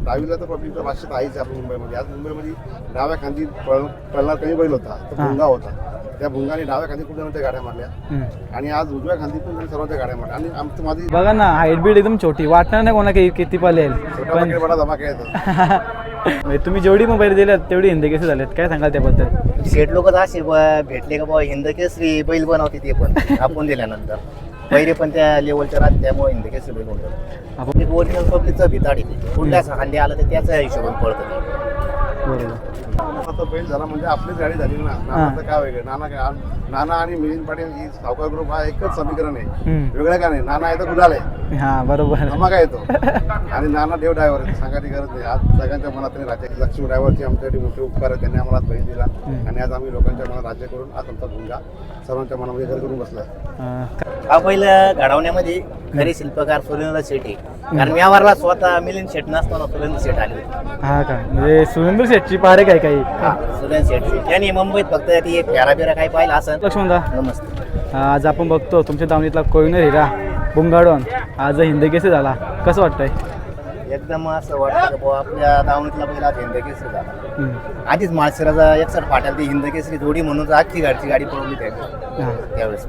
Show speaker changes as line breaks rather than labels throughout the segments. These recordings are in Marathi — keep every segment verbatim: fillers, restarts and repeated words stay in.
डावीला तर पब्लिकच्या भाषेत आहेच आपण मुंबईमध्ये. आज मुंबईमध्ये डाव्या खांदी पळ पळणार कमी बैल होता, तो भुंगा होता. त्या भुंगाने डाव्या खांदी खूप जणांच्या गाड्या मारल्या आणि आज उजव्या खांदी पण सर्वांच्या गाड्या मारल्या. आणि आमचं माझी
बघा ना, हाईट बीट एकदम छोटी, वाटणार नाही कोणा की किती पळेल.
पण बडा धमाका येतो.
तुम्ही जेवढी मोबाईल दिल्यात तेवढी हिंदी केसे झालेत, काय सांगाल त्याबद्दल?
शेठ लोक असे ब- भेटले का बाबा हिंद केसरी बैल बनवते ते पण आपण दिल्यानंतर पहिले पण त्या लेवलच्या राहते, त्यामुळे हिंद केसरी बैल बनवतात.
आपण
एक ओरिजिनल पब्लिकचं भिताडी कुठल्या खांदी आलं तर त्याच्या हिशोबाने पळतं ते.
बरोबर.
आता बैल झाला म्हणजे आपलीच गाडी झाली ना. नाना काय वेगळं, नाना काय नाना आणि मिलिंद पाटील ही सावकार ग्रुप हा एकच समीकरण आहे,
हम्म.
वेगळं का नाही. नाना आहे तर गुलाल आहे,
हा बरोबर.
धमाका येतो. आणि नाना देव ड्रायव्हर आहे, सांगायची गरज नाही. आज सगळ्यांच्या मनात राज्य लक्ष्मी ड्रायव्हरची आमच्यासाठी मोठे उपकार आहे, त्यांनी आम्हाला बैल दिला आणि आज आम्ही लोकांच्या मनात राज्य करून आज आमचा भुंगा सर्वांच्या मनामध्ये घर करून बसलाय.
अं,
हा पहिलं घडवण्यामध्ये खरे शिल्पकार सुरेंद्र शेठ आहे. कारण व्यवहारला स्वतः मिलिंद शेठ नसताना सुरेंद्र शेठ आले होते.
हा का, म्हणजे सुरेंद्र शेठची पारे काय काही?
सुरेंद्र शेठ त्यांनी मुंबईत फक्त ती फेरा बिरा काही पाहिलं असं.
लक्ष्मणदा,
नमस्ते.
आज आपण बघतो तुमच्या दावणीतला कोयनर हिरा बुंगाडून आज हिंदी केसे झाला, कसं वाटतंय?
एकदम असं वाटतं की बाबा आपल्या दावणीतला पहिला हिंद केसरी झाला.
हम्म.
आधीच माळशिराचा एकसठ फाट्याला ती हिंद केसरी जोडी म्हणून अख्खी गाडची गाडी पळवली त्याने
हा.
त्यावेळेस.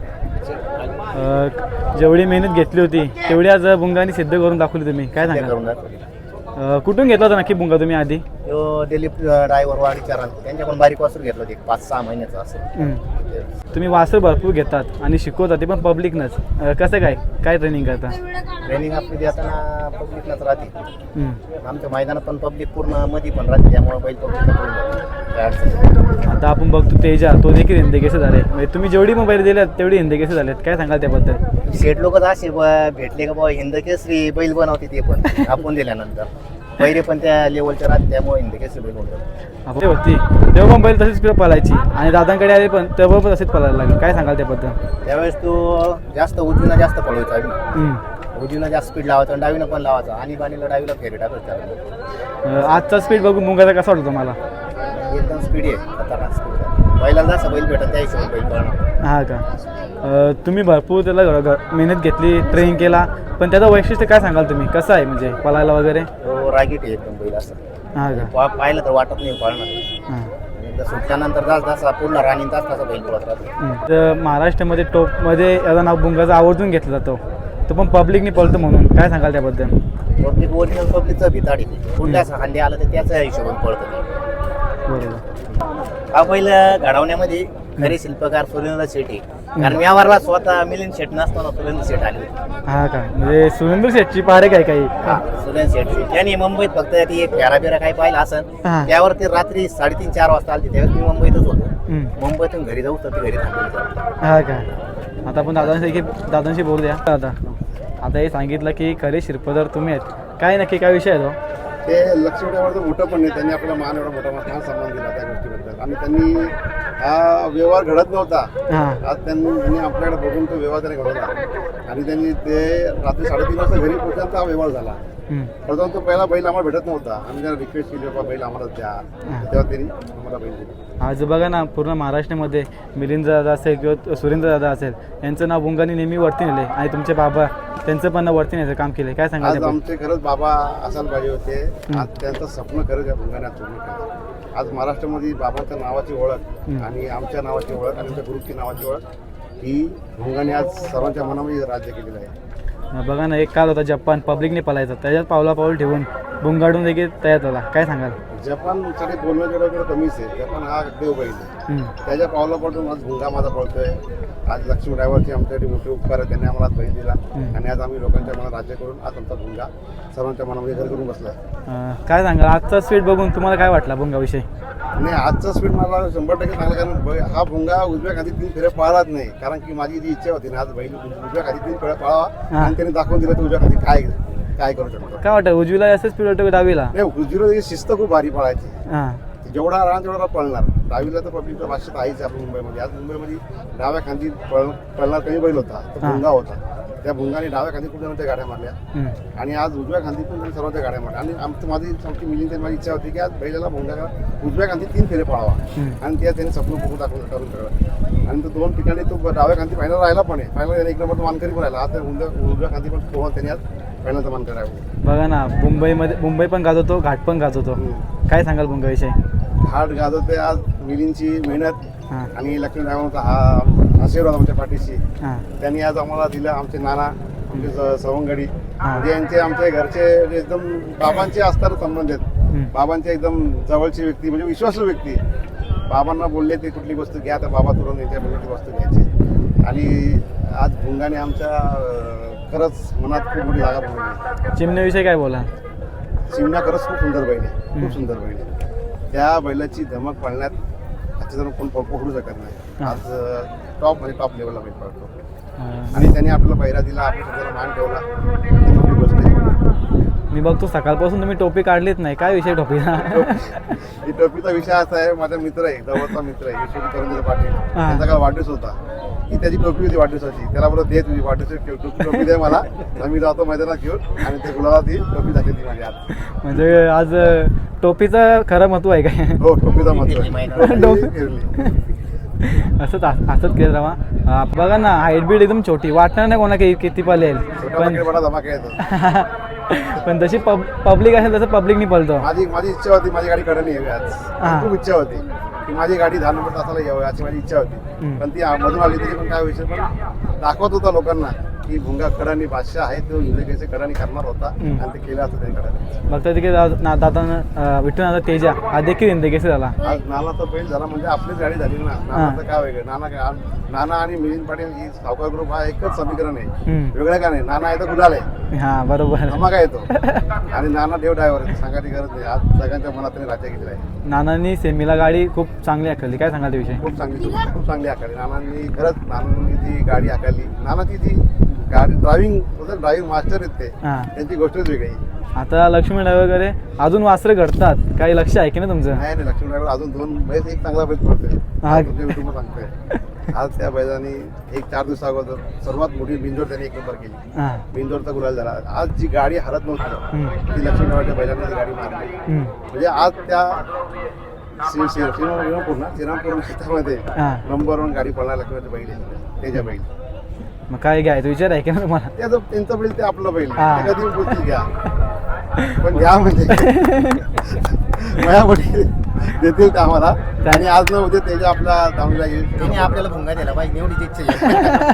अं, जेवढी मेहनत घेतली होती तेवढी आज बुंगाने सिद्ध करून दाखवली तुम्ही, काय
ते
सांगा?
करून दाखवली.
अं, कुठून घेतला होता नक्की बुंगा तुम्ही आधी?
तो दिलीप ड्रायव्हर वाडीच्या रान त्यांच्याकडून बारीक वासूर घेतलं होतं एक पाच सहा महिन्याचं असं.
हम्म. तुम्ही वासर भरपूर घेतात आणि शिकवता ते पण पब्लिकनंच, अं, कसं काय काय ट्रेनिंग करता?
ट्रेनिंग आपली देताना पब्लिकलाच राहते.
हम्म.
आमच्या मैदानात पण पब्लिक पूर्ण मध्ये पण राहते, त्यामुळे बैल पब्लिकला पळून जातो. काय अडचण नाही.
आता आपण बघतो तेजा, तो देखील हिंदी केसे झाले. म्हणजे तुम्ही जेवढी मोबाईल दिल्यात तेवढी हिंदी केसे झालेत, काय सांगाल त्याबद्दल?
शेठ लोक असे ब- भेटले का बाबा हिंद केसरी बैल बनवते ते पण आपण दिल्यानंतर पहिले पण त्या लेवलच्या राहते, त्यामुळे हिंद केसरी बैल बनवतात.
आपण होती तेव्हा पण बैल तशीच पळायची आणि दादांकडे आले पण तेव्हा पण तसेच पळायला लागले, काय सांगाल त्याबद्दल?
त्यावेळेस तो जास्त उजवीनं जास्त पळवायचा आम्ही.
हम्म.
उजवीनं जास्त स्पीड लावायचा आणि डावीनं पण लावायचा आणि बाणीला डावीला फेरी टाकायचा.
अं, आजचा स्पीड बघून मुंगाचा कसा वाटतो तुम्हाला?
एकदम स्पीड आहे, खतरनाक स्पीड आहे. बैला जसा बैल भेटत त्या हिशोबाने बैल पळणार.
हा का, अं, तुम्ही भरपूर त्याला घ- घ- मेहनत घेतली, ट्रेनिंग केला, पण त्याचं वैशिष्ट्य काय सांगाल तुम्ही, कसं आहे म्हणजे पळायला वगैरे?
तो रागीट आहे एकदम बैल असं.
हा का.
पा- पाहिलं तर वाटत नाही पळणार.
हां.
एकदा सुटल्यानंतर जास्त जसा पूर्ण राणी तास तसा बैल पळत राहतो.
हम्म. तर महाराष्ट्रामध्ये टॉपमध्ये याचं नाव बुंगाचा आवर्जून घेतला जातो, तो पण पब्लिकने पळतो म्हणून, काय सांगाल त्याबद्दल?
पब्लिक ओरिजिनल पब्लिकचं भिताडी कुठल्या खांदी आलं तर त्याच्या हिशोबाने पळतं ते.
बरोबर.
हा पहिलं घडवण्यामध्ये खरे शिल्पकार सुरेंद्र शेठ आहे. कारण व्यवहारला स्वतः मिलिंद शेठ नसताना सुरेंद्र शेठ आले होते.
हा का, म्हणजे सुरेंद्र शेठची पारे काय काही?
सुरेंद्र शेठ त्यांनी मुंबईत फक्त ती फेरा बिरा काही पाहिलं असं.
हा.
त्यावर ते रात्री साडेतीन चार वाजता आले, त्यावेळेस मी मुंबईतच होतो.
हम्म.
मुंबईतून घरी जाऊ तर ते घरी थांबले.
हा का. आता आपण दादांशी दादांशी बोलू द्या. दादा, आता हे सांगितलं की खरे शिरपदर तुम्ही आहेत, काय नक्की काय विषय आहे तो?
ते लक्ष्मी ड्रायव्हरचं मोठं पण नाही, त्यांनी आपल्याला मान एवढा मोठा मान सन्मान दिला त्या गोष्टीबद्दल. आणि त्यांनी हा व्यवहार घडत नव्हता,
हां.
आज त्यांनी त्यांनी आपल्याकडे बघून तो व्यवहार त्याने घडवला आणि त्यांनी ते रात्री साडेतीन वाजता घरी पोहोचल्यानंतर हा व्यवहार झाला.
हम्म.
प्रथम तो पहिला बैल आम्हाला भेटत नव्हता, आम्ही त्याला रिक्वेस्ट केली बाबा बैल आम्हाला द्या, तेव्हा त्यांनी आम्हाला बैल दिला.
आज बघा ना, पूर्ण महाराष्ट्रामध्ये मिलिंद दादा असेल किंवा सुरेंद्र दादा असेल, यांचं नाव बुंगाने नेहमी वरती नेले आणि तुमचे बाबा त्यांचं पण नाव वरती नेण्याचं काम केलं, काय
आज
सांगाल?
आमचे खरंच बाबा असायला पाहिजे होते, आज त्यांचं स्वप्न खरंच या भुंगाने पूर्ण केलं. आज महाराष्ट्रामध्ये बाबांच्या नावाची ओळख आणि आमच्या नावाची ओळख आणि आमच्या ग्रुपची नावाची ओळख ही भुंगाने आज सर्वांच्या मनामध्ये राज्य केलेलं आहे.
बघा ना, एक काल होता जपान पब्लिकने पळायचा, त्याच्यात पावला पाऊल ठेवून बुंगाडून देखील तयार झाला, काय सांगाल?
जपानसाठी बोलणं जेवढं कमीच आहे, जपान हा देव बैल आहे,
हम्म.
त्याच्या पावला पडून आज भुंगा माझा पळतोय. आज लक्ष्मी ड्रायव्हरची आमच्यासाठी मोठे उपकार आहे, त्यांनी आम्हाला बैल दिला आणि आज आम्ही लोकांच्या मनात राज्य करून आज आमचा भुंगा सर्वांच्या मनामध्ये घर करून बसला.
अं, काय सांगाल आजचा स्पीड बघून तुम्हाला काय वाटला बुंगाविषयी?
नाही, आजचा स्पीड मला शंभर टक्के चांगला, कारण बै- हा भुंगा उजव्या खाली तीन फेऱ्या पळालाच नाही, कारण की माझी जी इच्छा होती ना, आज बैल उजव्या खाली तीन फेऱ्या पळावा आणि त्यांनी दाखवून दिलं तर उजव्या खाली काय काय करू शकतो.
काय वाटतं उजवीला असं स्पीड वाटतं डावीला?
नाही, उजवीला शिस्त खूप भारी पळायची,
हां.
जेवढा रान तेवढा पळणार. डावीला तर पब्लिकच्या भाषेत आहेच आपण मुंबईमध्ये. आज मुंबईमध्ये डाव्या खांदी पळ पळणार कमी बैल होता, तो भुंगा होता. त्या भुंगाने डाव्या खांदी खूप जणांच्या गाड्या मारल्या
हम्म.
आणि आज उजव्या खांदी पण त्यांनी सर्वांच्या गाड्या मारल्या. आणि आमचं माझी आमची मिलिंद माझी इच्छा होती की आज बैलाला भुंगा उजव्या खांदी तीन फेरे पळावा आणि त्या त्यांनी स्वप्न बघून दाखवून करून ठेवलं. आणि तो दोन ठिकाणी तो डाव्या खांदी फायनल राहिला पण आहे, फायनल एक नंबर तो मानकरी पण राहिला. आज त्या उजव्या उजव्या खांदी पण पोहून त्यांनी आज पहिल्यांदा मान करावं.
बघा ना, मुंबईमध्ये मुंबई पण गाजवतो, घाट पण गाजवतो. काय सांगाल भुंगाविषयी?
हार्ट गाजवते आज मिलिंदची मेहनत
हां
आणि लक्ष्मी ड्रायव्हरचा हा आशीर्वाद आमच्या पाठीशी.
हां
त्यांनी आज आम्हाला दिलं. आमचे नाना, आमचे स- सवंगडी
हां.
म्हणजे यांचे आमच्या घरचे म्हणजे एकदम बाबांचे असताना संबंध आहेत.
हम्म.
बाबांचे एकदम जवळची व्यक्ती म्हणजे विश्वासू व्यक्ती. बाबांना बोलले ते कुठली वस्तू घ्या तर बाबा तुरंत यांच्या बोलले ती वस्तू घ्यायची. आणि आज भुंगाने आमच्या अं, खरंच मनात खूप मोठी जागा बनवली.
चिमण्याविषयी काय बोला?
चिमण्या खरंच खूप सुंदर बैल आहे, खूप सुंदर बैल आहे. त्या बैलाची धमक पाळण्यात आजच्या जण कोण पकडू शकत नाही. आज टॉप म्हणजे टॉप लेवलला बैल पळतो
हां.
आणि त्यांनी आपल्याला पहिरा दिला, आपल्या स्वतःला मान ठेवला. ही मोठी गोष्ट आहे.
मी बघतो सकाळपासून तुम्ही टोपी काढलीच नाही. काय विषय टोपीला?
ही टोपीचा विषय असा आहे, माझा मित्र आहे, जवळचा मित्र आहे यशवंत करंदीकर पाटील. त्यांचा काल वाढदिवस होता. ही त्याची टोपी होती वाढदिवसाची. त्याला बरोबर दे तुझी वाढदिवसाची टोपी टोपी दे मला. आम्ही जातो मैदानात घेऊन आणि ते गुलाला ती टोपी दाखवली माझी आज.
म्हणजे आज टोपीचं खरं महत्व आहे काय?
हो, टोपीचा महत्व
फिरली
आहे.
मैदानात.
टोपी फिरली.
असंच असंच केलं राहा. अं, बघा ना, हाईट बीट एकदम छोटी, वाटणार नाही कोणा की किती पळेल.
छोटा
पण
पाकीट बडा धमाका येतो.
पण जशी पब पब्लिक असेल तसं पब्लिक नाही पळतो.
माझी माझी इच्छा होती माझी गाडी कडनी यावी आज.
हा.
खूप इच्छा होती की माझी गाडी दहा नंबर तासाला यावी अशी माझी इच्छा होती.
हम्म.
पण ती मधून आली तरी पण काय विषय पण दाखवत होता लोकांना की भुंगा कडानी बादशाह आहे, तो इंग्रजीचे कडानी करणार होता
हम्म.
आणि ते केलं असतं त्यांनी कडानी.
बघता तिथे दादा विठ्ठल तेजा हा देखील इंदकेसरी झाला.
आज नाना तर बैल झाला म्हणजे आपलीच गाडी झाली ना. नानाचं काय वेगळं, नाना काय नाना आणि मिलिंद पाटील ही सावकार ग्रुप हा एकच समीकरण आहे.
हम्म.
वेगळं का नाही. नाना आहे तर गुलाल आहे,
हा बरोबर.
धमाका येतो. आणि नाना देव ड्रायव्हर आहे, सांगायची गरज नाही. आज सगळ्यांच्या मनात त्यांनी राज्य केलेलं आहे.
नानांनी सेमीला गाडी खूप चांगली आखली. काय सांगाल त्याविषयी?
खूप चांगली खूप चांगली आकारली नानांनी. खरंच नानांनी जी गाडी आकारली, नानाची जी गाडी ड्रायव्हिंग ड्रायव्हिंग मास्टर आहेत ते,
हां.
त्यांची गोष्टच वेगळी.
आता लक्ष्मी वगैरे अजून वासरे घडतात, काही लक्ष आहे की ना तुमचं?
नाही नाही, लक्ष्मी ड्रायव्हर अजून दोन बैल, एक चांगला बैल पडतोय.
हा.
तुमच्या युट्यूबवर सांगतोय. आज त्या बैलांनी एक चार दिवस अगोदर सर्वात मोठी बिंजोर त्यांनी एक नंबर केली.
हां
बिंजोरचा गुलाल झाला. आज जी गाडी हरत नव्हती
हम्म.
ती लक्ष्मी ड्रायव्हरच्या बैलांनी ती गाडी मारली.
हम्म.
म्हणजे आज त्या श्री- श्री- श्रीरामपूर ना श्रीरामपूर शेतामध्ये
हां.
नंबर वन गाडी पळणार लक्ष्मीच्या बैल आहे, त्याच्या बैल.
मग काय घ्यायचं विचार आहे की ना तुम्हाला?
त्याचं त्यांचं बैल ते आपलं बैल.
हा.
ते कधी बोलतील घ्या, पण घ्या म्हणजे माझ्यामध्ये देतील ते आम्हाला. आणि आज न उद्या त्याच्या आपल्या दामला येईल.
त्यांनी आपल्याला भुंगा दिला पाहिजे एवढीच इच्छा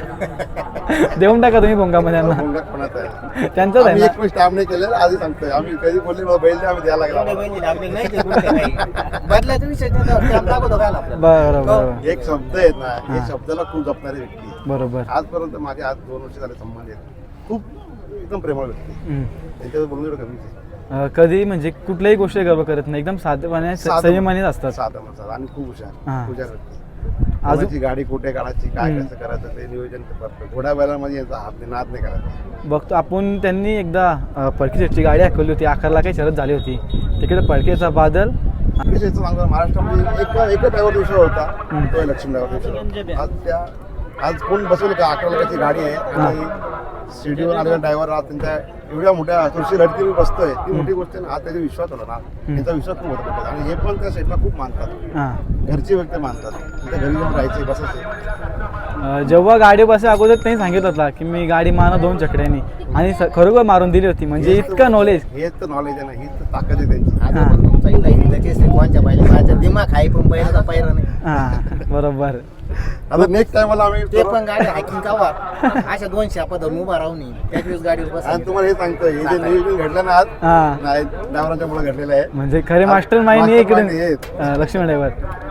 आहे.
देऊन टाका तुम्ही भोंगामध्ये यांना.
भोंगा कोणाचा आहे?
त्यांचंच आहे
आम्ही
ना?
एक पण स्टाफ नाही केलेलं, आधी सांगतोय. आम्ही कधी बोलले मला बैल द्या, आम्ही द्यायला लागला.
एवढे बैल दिले, आपल्याला नाही ते कोणते काही. बदलायचा विषय नाही, तर स्टॅम्प दाखवतो काय आपल्याला.
बरोबर बरोबर
एक शब्द आहेत ना,
हा.
हे शब्दाला खूप जपणारी व्यक्ती.
बरोबर.
आजपर्यंत माझे आज दोन वर्ष झाले संबंध आहेत. खूप एकदम प्रेमळ व्यक्ती.
हम्म.
त्यांच्यावर बोलून एवढं कमीच आहे.
अं, कधी म्हणजे कुठल्याही गोष्टी गर्व करत नाही, एकदम साधेपणे
साधं-
संयमानेच असतात.
साधा माणसाला आणि खूप
हा.
हुशार हुशार व्यक्ती.
अजून
कोणाची गाडी कुठे काढायची, काय
हम्म.
कसं करायचं ते नियोजन करतो. घोड्या बैलांमध्ये यांचा हात नाही, नाद नाही करायचा.
बघतो आपण, त्यांनी एकदा अं, पडकी सेटची गाडी हाकवली होती, अकराला काही शरद झाली होती, तिकडे पडकेचा बादल.
विशेष सांगतो, महाराष्ट्रामध्ये एक एकच ड्रायव्हर विषय होता,
हम्म.
तो लक्ष्मी ड्रायव्हर विषय. आज त्या आज कोण बसवली का अकरा लाखाची गाडी आहे आणि सीडीवर आलेला ड्रायव्हर आज त्यांच्या एवढ्या मोठ्या तुळशी लढती बसतोय, ती मोठी गोष्ट आहे ना. आज त्याचा विश्वास होता ना, त्यांचा विश्वास खूप होता. आणि हे पण त्या साईडला खूप मानतात,
हां.
घरची व्यक्ती मानतात. त्यांच्या घरी जाऊन राहायचे, बसायचे.
अं, जेव्हा गाडी बसे अगोदर त्यांनी सांगितलं होता की मी गाडी मारा दोन चकड्यांनी, आणि स- खरोखर मारून दिली होती. म्हणजे
हेच तर-
इतकं नॉलेज.
हेच तर नॉलेज आहे ना, हीच तर ताकद आहे त्यांची.
आज
हा.
आपण तुमचा इला हिंदकेस कोणच्या पाहिजे माझ्या दिमाग आहे, पण बैलाचा पायरा नाही.
हां बरोबर.
आता नेक्स्ट टाइमला आम्ही
ते पण गाडी हायकिंग कावा अशा दोन शापा धरून उभा राहून त्याच वेळेस गाडीवर बस.
आणि तुम्हाला हे सांगतोय, हे जे नियोजन घडलं ना आज,
हां.
नाही ड्रायव्हरांच्या मुळे घडलेलं आहे.
म्हणजे खरे मास्टर माइंड हे
mastermind
इकडे
हे.
अं, लक्ष्मण ड्रायव्हर.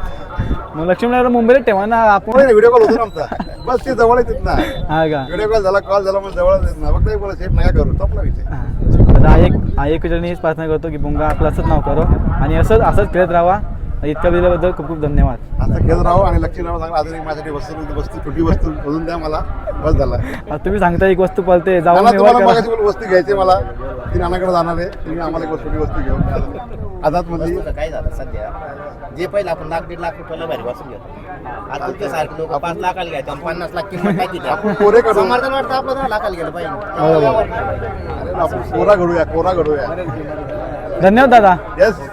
मग लक्ष्मण ड्रायव्हर मुंबईला ठेवा ना आपण.
व्हिडिओ कॉल होतो ना आमचा, बस ते जवळ येतात ना.
हा का?
व्हिडिओ कॉल झाला, कॉल झाला म्हणजे जवळ येत ना. फक्त एक बोला, सेट नका करू, संपला विषय.
हां. तर आयक आयकूच्यानी हीच प्रार्थना करतो की भुंगा आपलं असंच नाव करो आणि असंच असंच खेळत राहा. इतक्या दिल्याबद्दल खूप खूप धन्यवाद.
असं खेळ राहू आणि लक्ष्मी राहू सांगा. अजून एक माझ्यासाठी वस्तू वस्तू छोटी वस्तू बोलून द्या मला, बस झाला.
आता तुम्ही सांगता एक वस्तू पळते, जाऊन
नाना,
व्यवहार
तुम्हाला
करा.
मगाशी बोलू, वस्तू घ्यायची मला, ती नानाकडे जाणार आहे. तुम्ही आम्हाला एक छोटी वस्तू घेऊन आझाद मध्ये.
वस्तूचं काय झालं सध्या, जे पहिलं आपण लाख दीड लाख रुपयाला भारी वाचून घेतो, आता तुमच्या सारखे लोक पाच लाखाला घ्यायचं आणि पन्नास लाख किंमत टाकी द्या.
आपण कोरे करू.
समर्थन वाटतं आपलं दहा लाखाला गेलं पाहिजे.
बरोबर.
अरे आपण कोरा घडूया, कोरा घडूया.
धन्यवाद दादा.
येस.